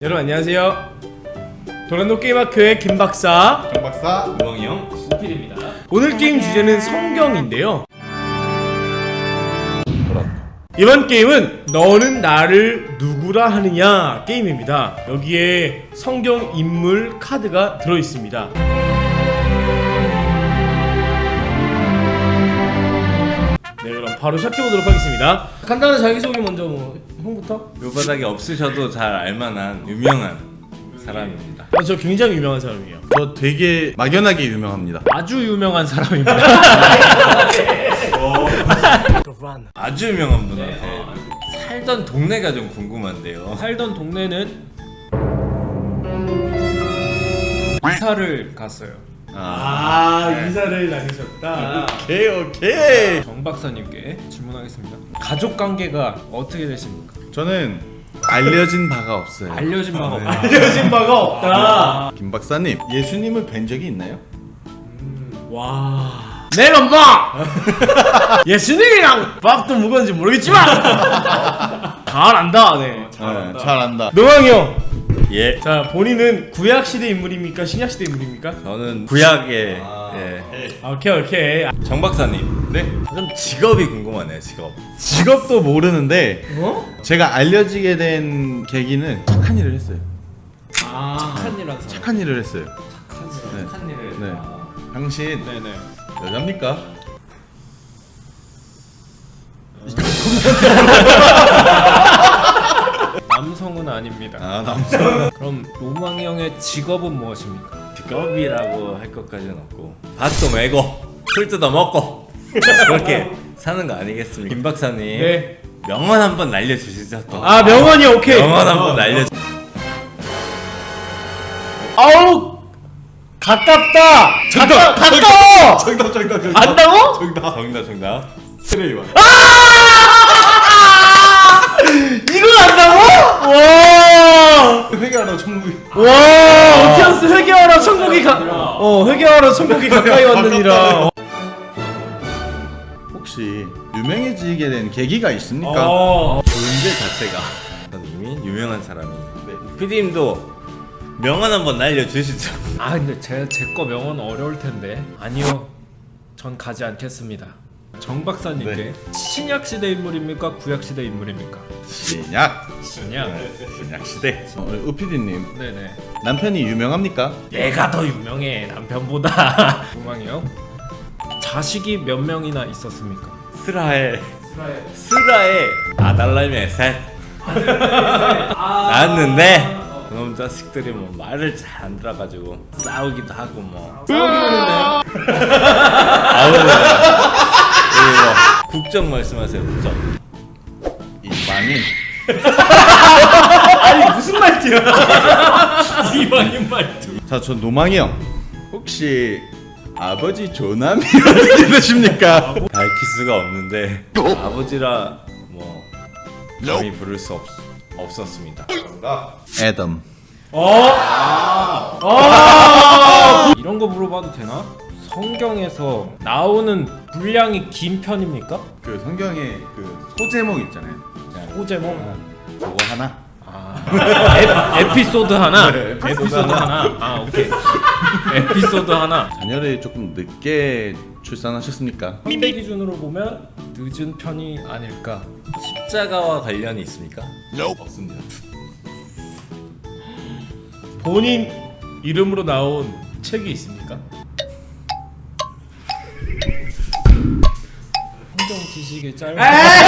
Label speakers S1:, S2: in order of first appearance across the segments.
S1: 여러분 안녕하세요. 도란노 게임학교의 김박사,
S2: 정박사,
S3: 우엉이 형,
S1: 우필입니다. 오늘 게임 주제는 성경인데요. 이번 게임은 너는 나를 누구라 하느냐 게임입니다. 여기에 성경 인물 카드가 들어있습니다. 네, 그럼 바로 시작해보도록 하겠습니다. 간단한 자기소개 먼저 형부터?
S3: 묘바닥에 없으셔도 잘 알만한 유명한 사람입니다.
S1: 저 굉장히 유명한 사람이에요.
S2: 저 되게 막연하게 유명합니다.
S1: 아주 유명한 사람입니다.
S3: 아주 유명한 분한테 살던 동네가 좀 궁금한데요.
S1: 살던 동네는 이사를 갔어요. 이사를 다니셨다.
S2: 오케이.
S1: 정 박사님께 질문하겠습니다. 가족 관계가 어떻게 되십니까?
S2: 저는 알려진 바가 없어요.
S1: 알려진 바가 없다. 알려진 바가 없다.
S2: 김 박사님, 예수님을 뵌 적이 있나요?
S1: 와. 내가 엄마! 예수님이랑 밥도 먹었는지 모르겠지만 잘 안다. 네.
S2: 잘 안다.
S1: 노왕이 형.
S3: 예,
S1: 자, 본인은 구약 시대 인물입니까? 신약 시대 인물입니까?
S3: 저는 구약의
S1: 오케이.
S3: 정 박사님.
S2: 네.
S3: 좀 직업이 궁금하네요.
S2: 직업도 모르는데
S1: 어?
S2: 제가 알려지게 된 계기는 착한 일을 했어요.
S1: 착한 일 한 사람.
S2: 착한 일을 했어요.
S3: 착한 일을.
S2: 네. 당신
S1: 네네.
S2: 여자입니까?
S1: 남성은 아닙니다.
S2: 남성.
S1: 그럼 노망이 형의 직업은 무엇입니까?
S3: 직업이라고 할 것까지는 없고 밭도 메고 풀 뜯어 먹고 그렇게 사는 거 아니겠습니까? 김 박사님.
S1: 네.
S3: 명언 한번 날려주시죠. 또.
S1: 명언이 오케이.
S3: 명언 한번 날려.
S1: 아우 가깝다. 가까워.
S2: 정답.
S1: 안다고?
S3: 정답.
S2: 트레이와.
S1: 이걸 안다고? 와.
S2: 회개하러 천국이.
S1: 와. 오티언스 회개하러 천국이 회개하러 천국이 가까이 왔느니라.
S2: 혹시 유명해지게 된 계기가 있습니까?
S3: 존재 자체가 전 이미 유명한 사람이. 네. PD님도 명언 한번 날려주시죠.
S1: 근데 제 거 명언 어려울 텐데. 아니요. 전 가지 않겠습니다. 정 박사님께
S2: 네.
S1: 신약 시대 인물입니까? 구약 시대 인물입니까?
S2: 신약.
S1: 신약.
S3: 신약 시대.
S2: 우피디님
S1: 네네.
S2: 남편이 유명합니까?
S1: 내가 더 유명해 남편보다. 도망이 형. 자식이 몇 명이나 있었습니까?
S3: 스라엘 아달라미의 셋 낳았는데 그놈 자식들이 뭐 말을 잘 안 들어가지고 싸우기도 하고 뭐
S1: 싸우기는데요?
S3: 국정 말씀하세요. 국정.
S2: 이 망인.
S1: 아니 무슨 말투야? 이방인 말투.
S2: 자, 저 노망이 형. 혹시 아버지 조남이 어떻게 되십니까?
S3: 밝힐 수가 없는데 아버지라 뭐 감히 부를 수 없었습니다.
S2: 애덤.
S1: 이런 거 물어봐도 되나? 성경에서 나오는 분량이 긴 편입니까?
S2: 그 성경에 그 소제목 있잖아요.
S1: 소제목?
S2: 그거 하나.
S1: 에피소드 하나?
S2: 네,
S1: 에피소드 하나? 오케이. 에피소드 하나.
S2: 자녀를 조금 늦게 출산하셨습니까?
S1: 현대 기준으로 보면 늦은 편이 아닐까.
S3: 십자가와 관련이 있습니까?
S2: 없습니다.
S1: 본인 이름으로 나온 책이 있습니까? 성경 지식이 짧아.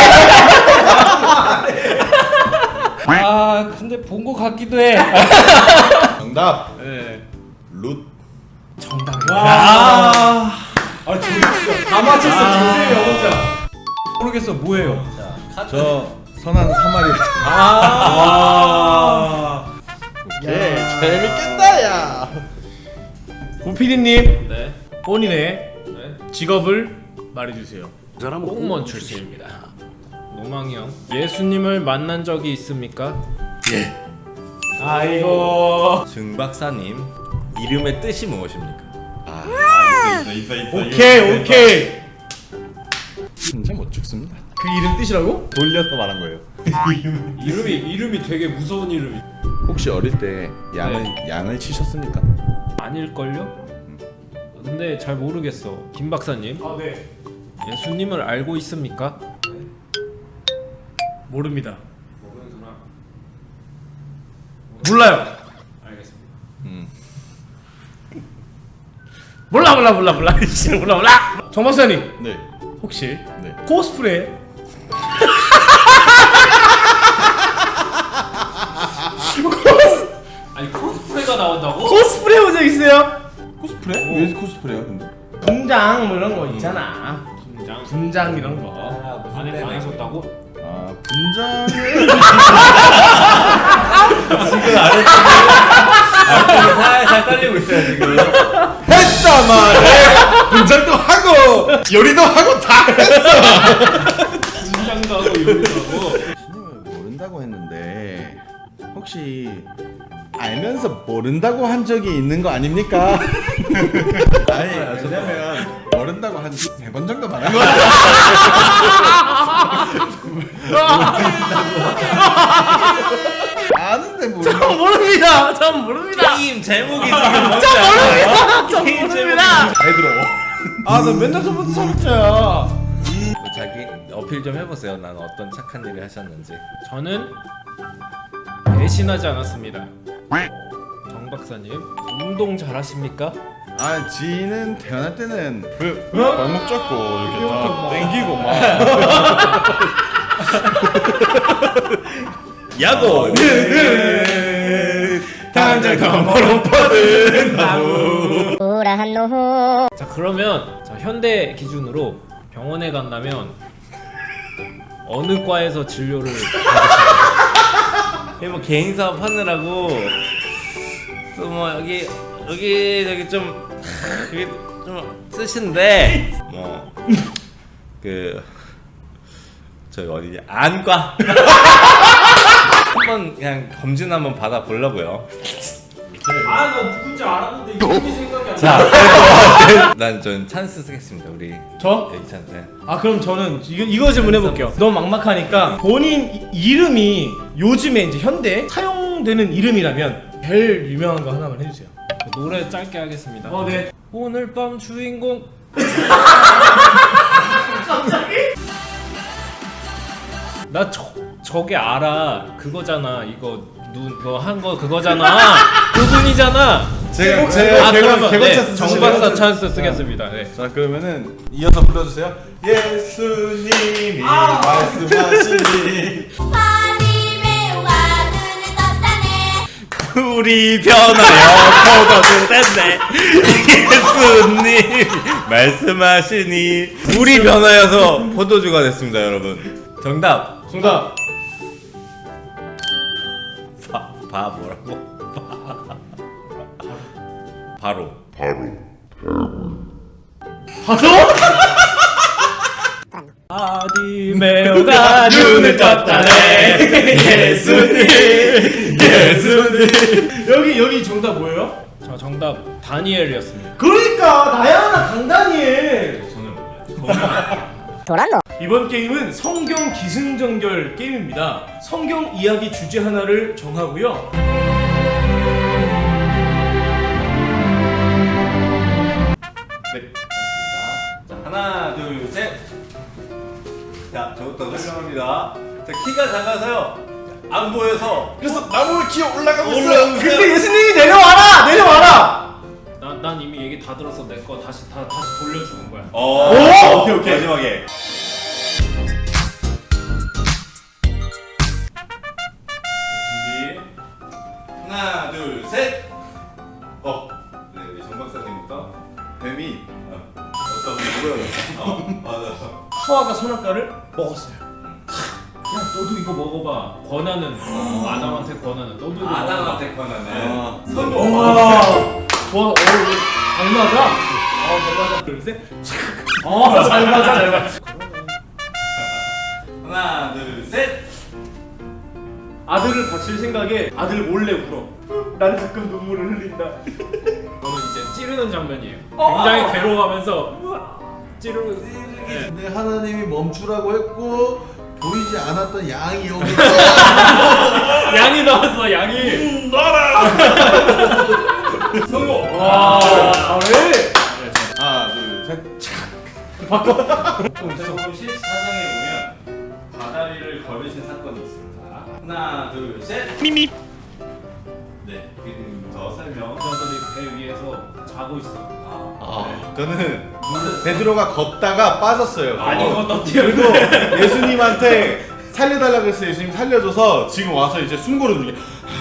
S1: 근데 본 거 같기도 해.
S2: 정답.
S1: 네.
S2: 룻.
S1: 정답이야. 다 맞췄어. 김세희 영혼자. 모르겠어. 뭐예요?
S2: 저 선한 사마리. 재밌겠다 야.
S1: 고피디님
S3: 네.
S1: 본인의 직업을 말해주세요. 공무원 출신입니다. 노망이 형, 예수님을 만난 적이 있습니까?
S3: 예.
S1: 아이고.
S3: 정 박사님 이름의 뜻이 무엇입니까?
S1: 오케이.
S2: 진짜 못 죽습니다.
S1: 그 이름 뜻이라고?
S2: 돌려서 말한 거예요.
S1: 이름이 되게 무서운 이름이.
S2: 혹시 어릴 때 양을 치셨습니까?
S1: 아닐걸요? 근데 잘 모르겠어. 김 박사님,
S4: 네.
S1: 예수님을 알고 있습니까?
S4: 모릅니다. 몰라요.
S1: 알겠습니다.
S4: 몰라. 진짜 몰라. 정 박사님
S2: 네.
S4: 혹시
S2: 네.
S4: 코스프레
S1: 아니 코스프레가 나온다고?
S4: 코스프레 본 적 있어요?
S2: 코스프레? 왜 코스프레야 근데?
S4: 분장 뭐 이런 거 있잖아.
S1: 김장.
S4: 분장 이런 거.
S1: 안에 하셨다고?
S2: 아 분장을
S3: 지금 아래쪽이 살살 떨리고 있어요 지금.
S2: 했다 말해. 분장도 하고 요리도 하고 다 했어.
S1: 김장도 하고 요리도 하고.
S2: 예수님을 모른다고 했는데 혹시 알면서 모른다고 한 적이 있는 거 아닙니까? 아니 왜냐면 모른다고 한 3번 정도 말한 거 같아. 아는데 모른다고.
S4: 모릅니다. 전 모릅니다.
S3: 게임 제목이 지금 뭔지 알아요?
S4: 전 모릅니다.
S2: 잘 들어.
S4: 아, 나 맨날 저부터 살았잖아.
S3: 자기 어필 좀 해보세요. 난 어떤 착한 일을 하셨는지.
S1: 저는 배신하지 않았습니다. 정 박사님, 운동 잘하십니까?
S2: 아 지는 태어날 때는 발목 잡고 이렇게 다 땡기고 막.
S3: 야구.
S2: 당장 덤으로 뻗은 나무.
S1: 자 그러면 자, 현대 기준으로 병원에 간다면 어느 과에서 진료를 받으실까요?
S3: 뭐 개인 사업 하느라고 또 뭐 여기 저기 좀 그게 좀 쓰신데 뭐 그 저기 어디냐 안과 한번 그냥 검진 한번 받아 보려고요.
S1: 아 나 누군지 알았는데 이름이 생각이 안 나.
S3: 자, 난 전 찬스 쓰겠습니다. 우리
S4: 저?
S3: 이 찬스.
S4: 아 그럼 저는 이거 질문해볼게요. 너무 막막하니까 본인 이름이 요즘에 이제 현대 사용되는 이름이라면 제일 유명한 거 하나만 해주세요.
S1: 노래 짧게 하겠습니다.
S4: 네.
S1: 오늘 밤 주인공. 나 저게 알아. 그거잖아. 이거 너 한 거 그거잖아. 그분이잖아.
S2: 제가
S1: 그러면
S2: 개건
S1: 네,
S2: 찬스
S1: 정박사
S2: 쓰시면
S1: 찬스 쓰겠습니다. 네.
S2: 자 그러면은 이어서 불러주세요. 예수님이 말씀하시니
S5: 하나님의 와드는 떴다네.
S3: 우리 변하여 포도주 됐네. 예수님 말씀하시니 우리 변하여서 포도주가 됐습니다, 여러분. 정답.
S4: 정답.
S3: 뭐라고? 바로.
S4: 아디메오가 눈을 떴다네. 예수님. 여기 정답 뭐예요?
S1: 저 정답 다니엘이었습니다.
S4: 그러니까 나야나 강다니엘.
S5: 돌았노?
S4: 이번 게임은 성경 기승전결 게임입니다. 성경 이야기 주제 하나를 정하고요.
S3: 네. 자, 하나, 둘, 셋. 자, 저부터 설명합니다. 자, 키가 작아서요. 안 보여서
S2: 그래서 나무 기어 올라가고 있어요.
S3: 올라오세요.
S4: 근데 예수님이 내려와라.
S1: 난 이미 얘기 다 들어서 내 거 다시 돌려주는 거야.
S4: 오! 오케이.
S3: 마지막에. 준비. 하나, 둘, 셋. 네, 우리 정 박사님부터.
S2: 뱀이
S3: 어떤 누구야? 맞아.
S4: 하와가 선악과를 먹었어요.
S1: 야 너도 이거 먹어봐. 권하는 아담한테 권하는. 너도 이거 먹어봐.
S3: 아담한테 권하네.
S4: 성공. 와. 좋아. 잘 맞아. 잘 맞아. 둘 셋. 잘 맞아.
S3: 하나, 둘, 셋.
S4: 아들을 바칠 생각에 아들 몰래 울어. 나는 가끔 눈물을 흘린다.
S1: 저는 이제 찌르는 장면이에요. 굉장히 괴로워하면서 찌르. 네.
S2: 근데 하나님이 멈추라고 했고 보이지 않았던 양이 여기
S1: 양이 나왔어 양이.
S4: 성공. 와. 왜?
S2: 하나 둘셋
S3: 서울시 사장에 보면 바다리를 걸으신 사건이 있습니다. 하나, 둘, 셋. 미미. 네, 더 설명.
S1: 여자들이 배 위에서 자고 있어.
S2: 저는 베드로가 걷다가 빠졌어요.
S1: 아니 이거 너
S2: 그리고 예수님한테 살려달라고 했어요. 예수님 살려줘서 지금 와서 이제 숨고르는 중이에요.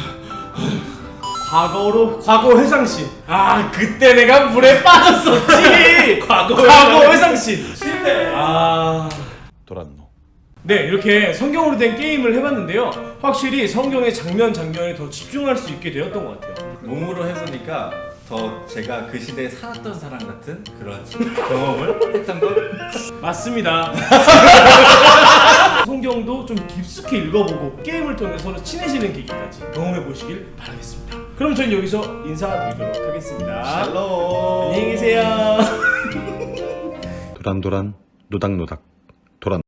S4: 과거 회상씬. 아 그때 내가 물에 빠졌었지. 과거 회상씬.
S3: 실패.
S4: 아.
S2: 돌았노.
S4: 네 이렇게 성경으로 된 게임을 해봤는데요. 확실히 성경의 장면에 더 집중할 수 있게 되었던 것 같아요.
S3: 몸으로 해보니까 더 제가 그 시대에 살았던 사람 같은 그런 경험을 했던 걸.
S4: 맞습니다. 성경도 좀 깊숙이 읽어보고 게임을 통해 서로 친해지는 계기까지 경험해 보시길 바라겠습니다. 그럼 저는 여기서 인사드리도록 하겠습니다.
S2: 샬롬.
S4: 안녕히 계세요.
S2: 도란도란 노닥노닥 도란.